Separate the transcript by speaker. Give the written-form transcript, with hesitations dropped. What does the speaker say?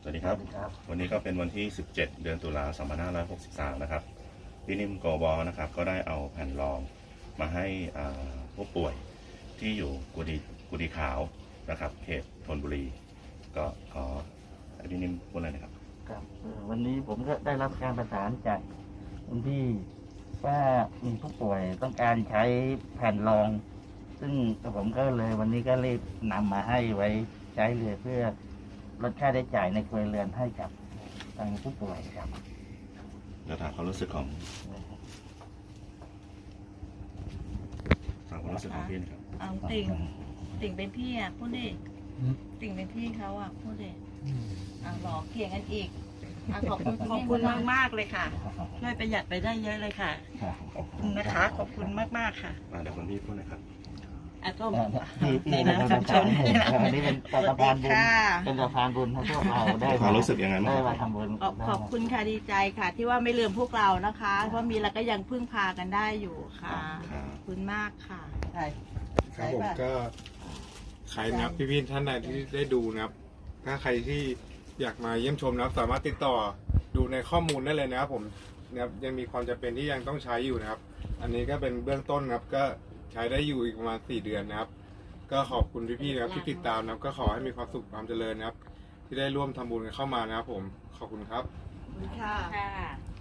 Speaker 1: สวัสดีครับ วันนี้ก็เป็นวันที่ 17 เดือนตุลาคม 2563 นะครับพี่นิ่มกบนะครับก็ได้เอาแผ่นรองมาให้ผู้ป่วยที่อยู่กุดีขาวนะครับเขตธนบุรีก็ขอให้พี่นิ่มพูดอะไรนะครับ
Speaker 2: ครับวันนี้ผมก็ได้รับการประสานจากคุณพี่ว่ามีผู้ป่วยต้องการใช้แผ่นรอง ซึ่งผมก็เลยวันนี้ก็รีบนำมาให้ไว้ใช้เลยเพื่อลดค่าใช้จ่ายในครัวเรือนให้กับทางผู้ป่วยครับ
Speaker 1: แล้วถามความรู้สึกของพี่นะครับ
Speaker 3: เอาติ่งเป็นพี่อ่ะพูดดิติ่งเป็นพี่เขาอ่ะพูดดิหลอกเถียงกันอีกขอบคุณมากเลยค่ะช่วยประหยัดไปได้เยอะเลยค่ะขอบคุณนะคะขอบคุณมากค่ะ
Speaker 1: เดี๋ยวคุณพี่พูดหน่อยครับ
Speaker 3: ก็
Speaker 2: พี่เป็นประธานอันนี้เป็นสะพานบุญเป็นสะพานบุญให้พวกเราได้
Speaker 1: ความรู้สึกยังไงบ้าง
Speaker 2: ได้
Speaker 1: ค
Speaker 2: มา
Speaker 1: รับ
Speaker 2: ทำบุญ
Speaker 3: ขอบคุณค่ะดีใจค่ะ ที่ว่าไม่ลืมพวกเรานะคะเพราะมีแล้วก็ยังพึ่งพากันได้อยู่ค่ะขอบคุณมากค่ะ
Speaker 4: ครับผมก็ใครนะครับพี่ๆท่านใดที่ได้ดูนะครับ ถ้าใครที่อยากมาเยี่ยมชมนะครับ สามารถติดต่อดูในข้อมูลได้เลยนะครับผมนะครับยังมีความจำเป็นที่ยังต้องใช้อยู่นะครับ อันนี้ก็เป็นเบื้องต้นนะครับ ก็ใช้ได้อยู่อีกประมาณ4 เดือนนะครับ ก็ขอบคุณพี่ๆนะครับที่ติดตามนะครับ ก็ขอให้มีความสุขความเจริญนะครับ ที่ได้ร่วมทำบุญกันเข้ามานะครับผมขอบคุณครับ
Speaker 3: ขอบคุณค่ะ